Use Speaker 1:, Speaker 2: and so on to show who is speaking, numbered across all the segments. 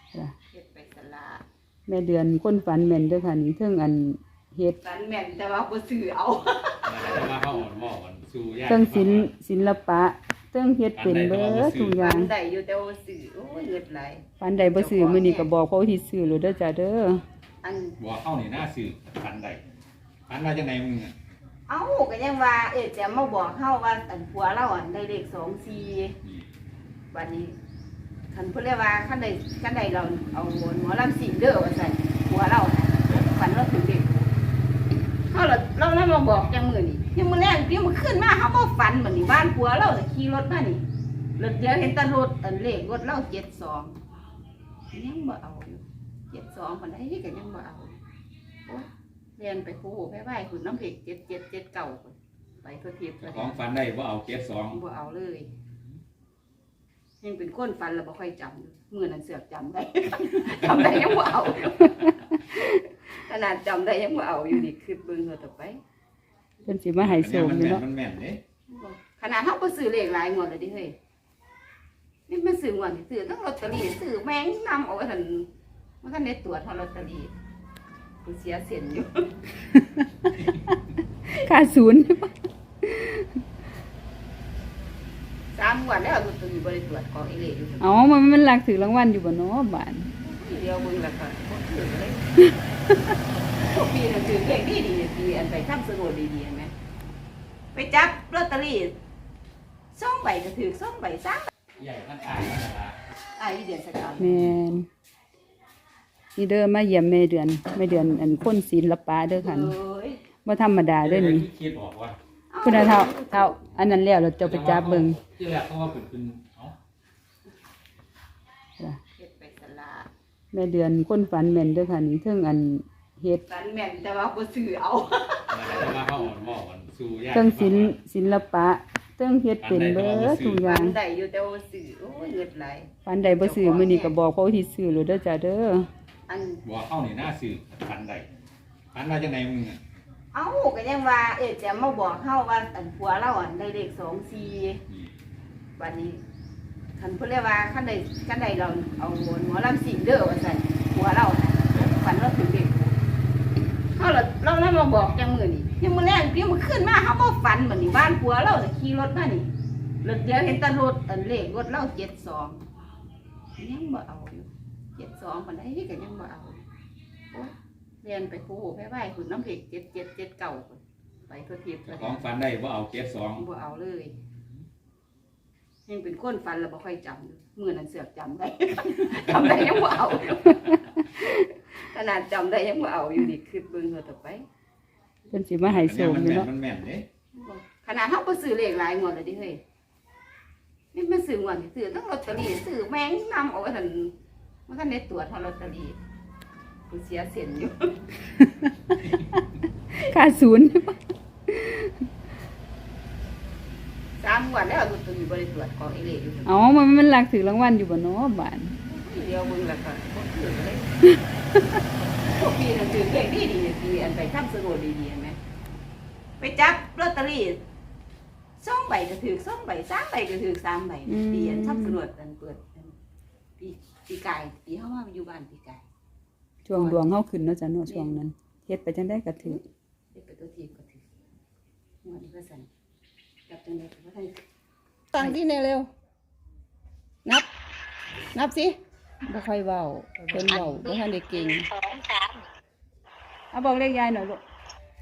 Speaker 1: เฮ็ดไปสละ
Speaker 2: แม่เดือนคนฝันแม่นเด้อค่ะนี่เทิงอันเฮ็ด
Speaker 1: ฝันแม่นแต่ว่าบ่ซื้อเอา
Speaker 3: แต่ว่าเขาหม้อมันสู้ยาก
Speaker 2: เทิงศิลปะเทิงเฮ็ดเป็นเบิดทุกอย่า
Speaker 1: ฝั
Speaker 2: ง
Speaker 1: นได้อยู่แต่ว่าซื้อโอ้ยเงิดไหล
Speaker 2: ฝันใดบ่ซื้อมื้อนี้ก็บอกเขาที่ซื้อโลดเด้อจ้าเด้อ
Speaker 1: อัน
Speaker 3: บอกเข้านี่หน้าสื่อพันใดพันว่าจังไงมึงอ่ะ
Speaker 1: เอ้าก็ยังว่าจะมาบอกเฮาว่าอันผัวเราอันได้เลข24บัดนี้คันเพิ่นเรียกว่าคันใดเราเอาหมอลำสิงเด้อว่าซั่นผัวเราฝันเราถึงเด็กเฮาเรามาบอกจังมื้อนี้ยังมื้อแรกพี่มื้อขึ้นมาเฮาบ่ฝันบัดนี้บ้านผัวเราน่ะขี่รถมานี่รถเดียวเห็นแต่รถอันเลขรถเรา72ยังบ่เอาอยู่72ปานใดก็ยังบ่เอาโอ้ยเรียนไปคู่ไปไหว้คุณน้ำเพก7779ไปทั่วทิพย์
Speaker 3: ของฟันได้ว่าเอาเก็บ2
Speaker 1: บ่เอาเลยยังเป็นคนฟันแล้วบ่ค่อยจำมื้อนั้นเสือกจำได้ จำได้ยังบ่เอาขนาดจำได้ยังบ่เอาอยู่นี่คือเบิ่งเฮาต่อไป
Speaker 2: เพิ่นสิมาให้โชค
Speaker 3: มัน
Speaker 2: อยู่
Speaker 3: แม่น
Speaker 2: เนาะ
Speaker 3: มันแม่นเด้
Speaker 1: ขนาดเฮาบ่ซื้อเลขหลายงวดแล้วดิเฮ้ยนี่มันซื้องวดที่ซื้อทั้งลอตเตอรี่ซื้อแมงนำเอาไว้ซั่นมันก็ได้ตรวจเฮาลอตเตอรี่กูเสียเส้นอยู่
Speaker 2: ค่าศูนย์
Speaker 1: 3งวดแล้วลอตเตอรี่บ่ได้ตรวจของอีเลขอยู่
Speaker 2: เอ้ามันลักถือรางวัลอยู่บ่เนาะบาด
Speaker 1: เดียวเบิ่งแล้วก็บ่ถือเลยพวกปีนั้นถือเลขดีๆปีอันไปทำสนุกดีๆเห็นมั้ยไปจับลอตเตอรี่2ใบก็ถือ2ใบ3
Speaker 3: ใหญ่ท่านอายนั่นล่ะ
Speaker 1: ไอ้เดือนสกาว
Speaker 2: แม่นนี่เด้อมาเยี่ยมแม่เดือนอันคนศิลปะเด้อค่ะ
Speaker 1: เอ้ย
Speaker 2: บ่ธรรมดาเด้อนี่
Speaker 3: คิดออกว่า
Speaker 2: คุณน่ะเท่าอันนั้นแล้วเราจะไปจับเบิ่ง
Speaker 3: ที่แรกเขาว่าเป็นเอ้า
Speaker 1: เฮ็ดไปสละ
Speaker 2: แม่เดือนคนฝันแม่นเด้อค่ะนี่เทิงอันเฮ็ด
Speaker 1: ฝันแม่นแต่ว่าบ่ซื้อเอา
Speaker 3: แต่ว่าเขาหม้อมันสู้ยาก
Speaker 2: เทิงศิลปะเทิงเฮ็ดเป็นเบิดทุกอ
Speaker 1: ฝั
Speaker 2: ย่าง
Speaker 1: นได้อยู่แต่ว่าซื้อโอ้ยเงิดไหล
Speaker 2: ฝันใดบ่ซื้อมื้อนี้ก็บอกเขาที่ซื้อโลดเด้อจ้าเด้อ
Speaker 1: อัน
Speaker 3: บอกเข้านี่หน้าสื่อพันใดพันว่าจังไงมึงอ่ะ
Speaker 1: เอ้าก็ยังว่าจะมาบอกเฮาว่าอันผัวเราอันได้เลข24บัดนี้คันเพิ่นเรียกว่าคันใดเราเอาหมอลำสิงเด้อว่าซั่นผัวเราฝันเราถึงเด็กเฮาเรามาบอกจังมื้อนี้ยังมื้อแรกพี่มื้อขึ้นมาเฮาบ่ฝันบัดนี้บ้านผัวเราน่ะขี่รถมานี่รถเดียวเห็นแต่รถอันเลขรถเรา72ยังบ่เอาอยู่72ปานใดก็ยังบ่เอาโอ้ยเรียนไปคู่ไปไหว้คุณน้ำเพก7779ไปทั่วทิพย์
Speaker 3: ของฟันได้ว่าเอาเก็บ2
Speaker 1: บ่เอาเลยยังเป็นคนฟันแล้วบ่ค่อยจำมื้อนั้นเสือกจำได้ จำได้ยังบ่เอาอยู่ขนาดจำได้ยังบ่เอาอยู่นี่คือเบิ่งเฮาต่อไป
Speaker 2: เพิ่นสิมาให้โชคอยู่เนาะ
Speaker 3: มันแม่นเด้
Speaker 1: ขนาดเฮาบ่ซื้อเลขหลายงวดแล้วดิเฮ้ยนี่มันซื้องวดที่ซื้อทั้งลอตเตอรี่ซื้อแมงนำเอาไว้ซั่นมันก็ได้ตรวจเฮาลอตเตอรี่กูเสียเส้นอยู่
Speaker 2: ค่าศูนย์
Speaker 1: 3งวดแล้วลอตเตอรี่บ่ได้ตรวจของอีเลขอยู่
Speaker 2: เอ้ามันลักถือรางวัลอยู่บ่เนาะบาด
Speaker 1: เดียวเบิ่งแล้วก็บ่ถือเลยพวกปีนั้นถือเลขดีๆปีอันไปทำสนุกดีๆเห็นมั้ยไปจับลอตเตอรี่2ใบก็ถือ2ใบ3ใบก็ถือ3ใบปีอันทำสนุกกันเปิดปีกายปีเฮามาอยู่บ้านปีกาย
Speaker 2: ช่วงดวงเฮาขึ้นเนาะจ้ะเนาะช่วงนั้นเฮ็ดไปจังได๋ก็ถือ
Speaker 1: เด็กไปตัวทีก็ถือหัวนี่ก็สั่นจับจังได๋ก็บ่ทันตั้งที่แน่เร็วนับสิ
Speaker 2: บ่ค่อยเว้าเพิ่นเว้าบ่ทันได้เก่ง
Speaker 4: 2 3
Speaker 2: เอาบอกเลขยายหน่อยลูก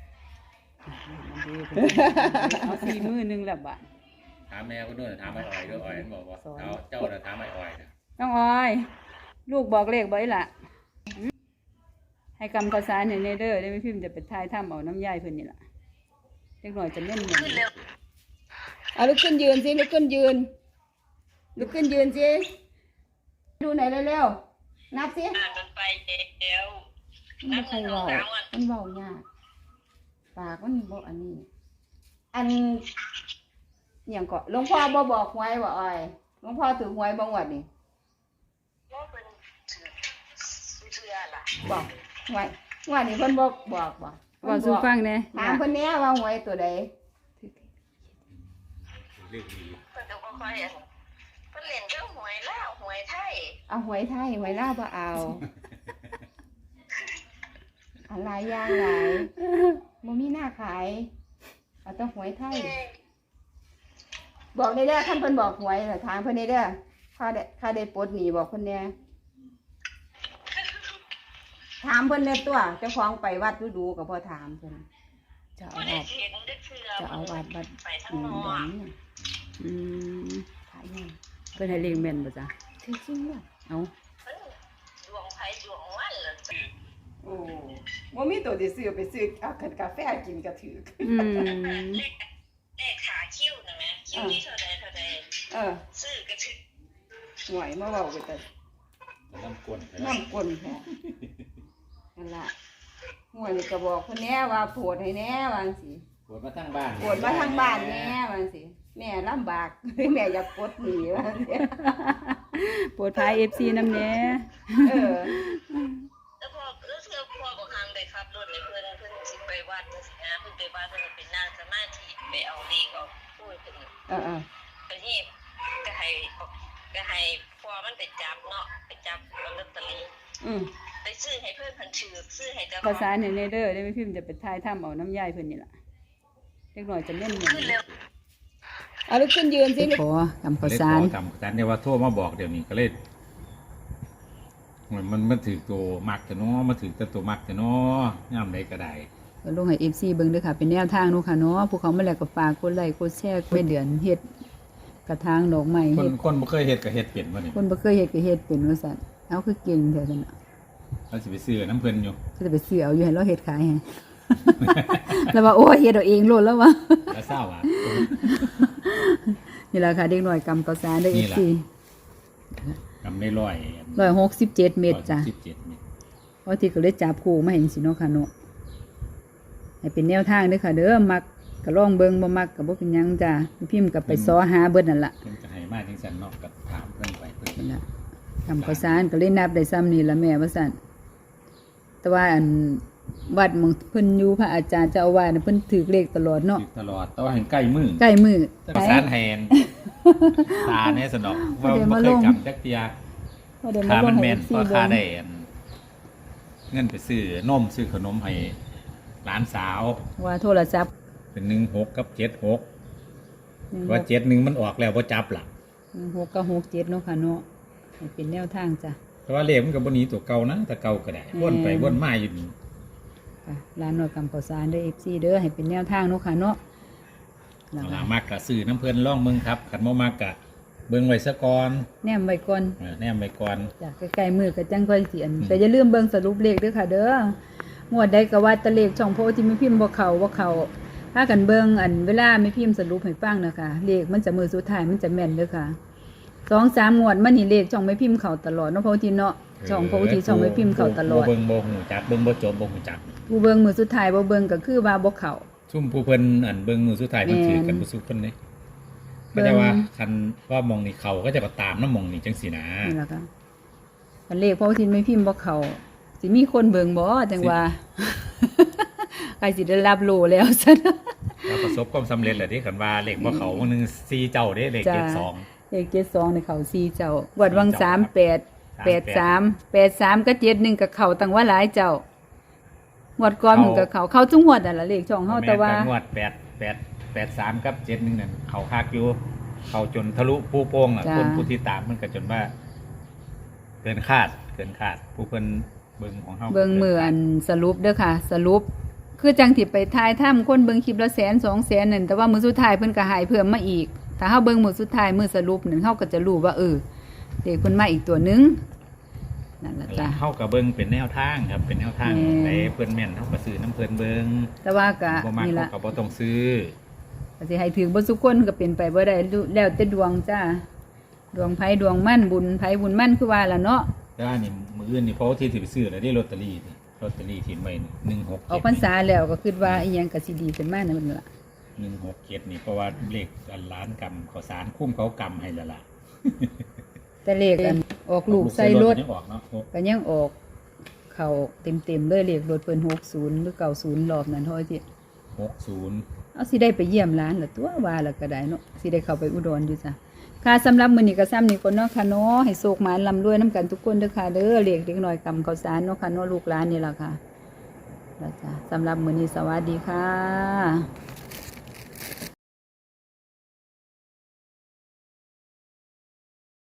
Speaker 2: เอา4มื้อนึงแล้วบาด
Speaker 3: ถามแม่ก็ด้วยถามไอ้อ้อยด้วยอ้อยมันบอกว่าเจ้าน่ะถามไอ้อ้อยนะ
Speaker 2: น้องออย ลูกบอกเลขบ่อีหล่ะให้กำข้าวสารให้ในเด้อได้ไม่พิมพ์จะไปทายถ้ำเอาน้ำยายเพิ่นนี่ล่ะเล็กน้อยจะเล่นหยังเอาลุกขึ้นยืนสิลุกขึ้นยืนสิดูไหนเร็วๆนับสิ
Speaker 4: มันไปแล้ว
Speaker 2: มันบ่ค่อยเว้ามันเว้ายากปากมันบ่อันนี้ อันหยังก็หลวงพ่อบ่บอกหวยบ่อ้อยหลวงพ่อถือหวยบ่งวดนี่
Speaker 4: ว่าเป็นเชื่อล่ะ
Speaker 2: บอกหวยงวดนี้เพิ่นบ่บอกบ่ว่าสู่ฟังแหน่ถามเพิ่นแหน่ว่าหวยตัวใด
Speaker 3: เรื่องดี
Speaker 4: เพิ่นก็บ่ค่อยเพิ่นเล่นเรื่องหวยแล้วหวยไทย
Speaker 1: เอาหวยไทยหวยลาวบ่เอาอะไรย่างหลายบ่มีหน้าขายเอาแต่หวยไทยบอกได้เด้อท่านเพิ่นบอกหวยถามเพิ่นได้เด้อค่าได้ปลดหนี้บอกเพิ่นแน่ถามเพิ่นแน่ตัวเจ้าของไปวัดดูๆก็บ่ถามเพิ่นเจ้า
Speaker 4: บ่
Speaker 1: อา
Speaker 4: ได้
Speaker 1: วาส
Speaker 4: เห็นได้เชื่อ
Speaker 1: เจ้าอาวาสวัด
Speaker 4: ไปทั้ง
Speaker 1: อืม
Speaker 4: นอ
Speaker 1: ดอน
Speaker 4: ก
Speaker 1: เนี่ย
Speaker 2: อืม
Speaker 1: ขายยัง
Speaker 2: เพิ่นให้เลขแม่นบ่จ้ะ
Speaker 1: ถือจริงเนี่ย
Speaker 2: เอา
Speaker 4: เพิ่นดวงไผดวงมันล่ะจ้ะ
Speaker 1: โอ้บ่มีตัวที่ซื้อไปซื้อเอากาแฟกินก็ถือ
Speaker 2: อืม
Speaker 4: เลขขาคิ้วนะแม่คิ้วที่เท่าใด
Speaker 1: เออ
Speaker 4: ซื้อกระถึก
Speaker 1: หวยมาเว้าไปแต่
Speaker 3: น้ำกวน
Speaker 1: น้ำกลนแท้นั่นล่ะหวยนี่ก็บอกเพิ่นแน่ว่าโปรดให้แน่ว่าจังซี่
Speaker 3: ปวดมาทั้งบ้าน
Speaker 1: โปรดมาทางบ้านแน่ว่าจังซี่แม่ลำบาก แม่อยากปลดหนี้ว่าจังซี่
Speaker 2: โปรดพาย FC นำแหน่
Speaker 1: เออ
Speaker 4: แล้วพอรู้สึกพอบอกทางได้ขับรถในเพื่อนสิไปวัดจังซี่นะเพิ่นไปวัดเพิ่นก็เป็นนั่งสมาธิไปเอาเลขเอาพูดเพิ่น
Speaker 1: เออ
Speaker 4: ก็นี่ก็ให้พอมันไปจับเนาะไปจับลอตเตอรี่
Speaker 1: อืม
Speaker 4: ไปซื้อให้เพื่อนเพันถือซื้อให้เจ้าข
Speaker 2: ข้า
Speaker 4: อ
Speaker 2: ว
Speaker 4: ง
Speaker 2: สารให้แน่เด้อได้ไม่พิมพ์จะไปทายถ้ำเอาน้ำยายเพิ่นนี่ล่ะเล็กน้อยจะแม่นแม่น
Speaker 4: ขึ้นเร็ว
Speaker 1: เอาลุกขึ้นยืนสิ
Speaker 2: ขอกำข้าวสาร
Speaker 3: จำจันเนี่ยว่าโทรมาบอกเดี๋ยวนี้ก็เลยมันถือตัวมักแต่เนาะมาถือแต่ตัวมักแต่เนาะย่ำใดก็ได้
Speaker 2: ก็ลงให้ FC เบิ่งเด้อค่ะ เป็นแนวทางเนาะค่ะเนาะผู้เขามาแล้วก็ฝากกดไลค์กดแชร์ไปเดือนเฮ็ดกระถางดอกไม้
Speaker 3: คน
Speaker 2: เฮ็ด
Speaker 3: คนบ่เคยเฮ็ดก็เฮ็ดเปลี่ยนมานี่
Speaker 2: คนบ่เคยเฮ็ดก็เฮ็ดเป็นว่าซั่นเอาคือเก่งแท้ซั่นน่ะ
Speaker 3: เราสิไปซื้อน้ำเพิ่นอยู่
Speaker 2: ก็จะไปซื้อเอาอยู่ให้เราเฮ็ดขายให้ แล้วว่าโอ้ยเฮ็ดเอาเองโลดแล้วว่า
Speaker 3: แล้วเศร้าอ่ะ
Speaker 2: นี่ล่ะค่ะเด็กน้อยกำข้าวสารเด้อ
Speaker 3: นี่ล่ะ
Speaker 2: FC
Speaker 3: กำได้ร้อย
Speaker 2: 167 เม็ดจ้ะ
Speaker 3: 17เม็ด
Speaker 2: เพราะที่ก็เลยจับคู่มาให้จังซี่เนาะค่ะเนาะให้เป็นแนวทางเด้อค่ะเด้อมักก็ลองเบิ่งบ่มักก็บ่เป็นหยังจ้ะพิมพ์ก็ไปซ้อหาเบิดนั่นล่ะ
Speaker 3: เพิ่นจะให้มาจังซั่นเนาะก็ถามเพิ่นไปเพิ่น
Speaker 2: นั่นล่ะทำข้าวสารก็เลยนับได้ซ้ำนี่ล่ะแม่ว่าซั่นแต่ว่าอันวัดหมองเพิ่นอยู่พระอาจารย์เจ้าอาวาสน่ะเพิ่นถือเลขตลอดเนาะ
Speaker 3: ถือตลอดแต่ว่าเห็นใกล้มือ
Speaker 2: ใกล้มื้อ
Speaker 3: แต่ประสานแทนตาเนี่ยสนอกว่าบ่เคยกำจักเทีย
Speaker 2: พอเดี๋ยว
Speaker 3: ค่า
Speaker 2: มาล
Speaker 3: มั
Speaker 2: ง
Speaker 3: น
Speaker 2: ให้
Speaker 3: แม่น
Speaker 2: FC
Speaker 3: ก็
Speaker 2: เบิ่
Speaker 3: ค่าง ได้อันเงินไปซื้อนมซื้อขนมให้หลานสาว
Speaker 2: ว่าโทรศัพท์
Speaker 3: เป็น16กับ76ว่า71มันออกแล้วบ่จับล่ะ
Speaker 2: 6กับ67เนาะค่ะเนาะให้เป็นแนวทางจ้ะ
Speaker 3: แต่ว่าเลขมันก็บ่หนีตัวเก่านะแต่เก่าก็ได้วนไปวนมาอยู่นี่
Speaker 2: ค่ะร้านน้อยกำข้าวสารเด้อ FC เด้อให้เป็นแนวทางเนาะค่ะเนาะนั่น
Speaker 3: เอา
Speaker 2: ล่ะ
Speaker 3: ล่ะมักก็ซื้อน้ำเพิ่นลองเบิ่งครับคันบ่มักก็เบิ่งไว้ซะก่อน
Speaker 2: แนมไว้ก่อน
Speaker 3: แนมไว้ก่อน
Speaker 2: จ้ะใกล้ๆมือก็จังค่อยสิอันแต่อย่าลืมเบิ่งสรุปเลขเด้อค่ะเด้องวดใดก็ว่าแตะเลขช่องโพที่ไม่พิมพ์บ่เข้าพากันเบิ่งอันเวลาไม่พิมพ์สรุปให้ฟังนะคะเลขมันจะมือสุดท้ายมันจะแม่นเด้อค่ะ 2-3 งวดมานี่เลขช่องไม่พิมพ์เข้าตลอดเนาะโพที่เนาะช่องโพที่ช่องไม่พิมพ์เข้าตลอด
Speaker 3: เบิ่งบ่ฮู้จักเบิ่งบ่จบบ่ฮู้จัก
Speaker 2: ผู้เบิ่งมือสุดท้ายบ่เบิ่งก็คือว่าบ่เข้า
Speaker 3: ซุ่มผู้เพิ่นอันเบิ่งมือสุดท้ายเพิ่น
Speaker 2: แม่น
Speaker 3: ถือกันบ่สุกเพิ่นเด้
Speaker 2: เบิ่
Speaker 3: ก็
Speaker 2: ง
Speaker 3: จะว่าคันว่ามองนี่เขาก็จะก็ตามน้ำมองนี่จังซี่นะ
Speaker 2: นี่ล่ะค่ะคันเลขโพที่ไม่พิมพ์บ่เข้าสิมีคนเบิ่งบ่จังว่า ใครสิได้รับโลแล้วซั่น
Speaker 3: แล้วประสบความสำเร็จแล้วเด้คันว่าเลขบ่เขาวันนึง4เจ้าเด้เลข
Speaker 2: จ้า
Speaker 3: 72
Speaker 2: เลข72ในเขา4เจ้าวัดวัง38 83กับ71กับเขาตั้งว่าหลายเจ้างวดก่อนมันก็เขาจุงงวดนั่นล่ะเลขช่องเฮาแต่ว่า
Speaker 3: ม่นงวด83กับ71นั่นเขาคักอยู่เขาจนทะลุปูโป่งอ่ะ
Speaker 2: จ้า
Speaker 3: คนผู้ที่ตามมันก็จนว่า เกินคาดผู้เพิ่นเบิ่งของเฮา
Speaker 2: เบิ่งมืออันสรุปเด้อค่ะ สรุปคือจังที่ไปทายถ้ำคนเบิ่งคลิปละ100,000-200,000นั่นแต่ว่ามื้อสุดท้ายเพิ่นก็ให้เพิ่มมาอีกถ้าเฮาเบิ่งมื้อสุดท้ายมื้อสรุปนั่นเฮาก็จะรู้ว่าเลขเพิ่นมาอีกตัวหนึงนั่นล่ะจ้ะ
Speaker 3: เฮาก็เบิ่งเป็นแนวทางครับเป็นแนวทาง
Speaker 2: แม่น
Speaker 3: ไหนเพิ่นแม่นเฮาก็ซื้อน้ำเพิ่นเบิ่ง
Speaker 2: แต่ว่าก็
Speaker 3: บ่มัก
Speaker 2: นี่
Speaker 3: เฮา
Speaker 2: ล่ะ
Speaker 3: ก็บ่ต้องซื้อ
Speaker 2: ก็สิให้ถึงบ่ทุกคนก็เป็นไปบ่ได้แล้วแต่ดวงจ้าดวงไผดวงมั่นบุญไผบุญมั่นคือว่าล่ะเนาะ
Speaker 3: แต่ว่านี่มื้ออื่นนี่เพราะว่าที่สิไปซื้อแล้วได้ลอตเตอรี่นี่ลอตเตอรี่ที่ไว้นี่167
Speaker 2: ออกพรรษาแล้วก็คิดว่าอีหยังก็สิดีขึ้นมานั่นล่ะ
Speaker 3: 167นี่เพราะว่าเลขอันล้านกำข้าวสารคุ้มเขากำให้แล้วล่ะ
Speaker 2: แต่เลขอันออกลูกใส่รถ
Speaker 3: ยังออกเนาะ
Speaker 2: ก็ยังออกเข้าเต็มๆเลยเลขรถเพิ่น60หรือ90รอบนั้นเฮาสิ
Speaker 3: 60
Speaker 2: เอาสิได้ไปเยี่ยมร้านล่ะตัวว่าแล้วก็ได้เนาะสิได้เข้าไปอุดรอยู่จ้ะค่ะสำหรับมื้อนี้ก็ซ้ำนี่ก่อนเนาะค่ะเนาะให้โชคหมานร่ำรวยนํกันทุกคนเด้อค่ะเด้อเลขเด็กน้อยกำข้าวสารเนาะค่ะเนาะลูกหลานนี่ล่ะค่ะแล้วจ้ะสำหรับมื้อนี้สวัสดีค่ะ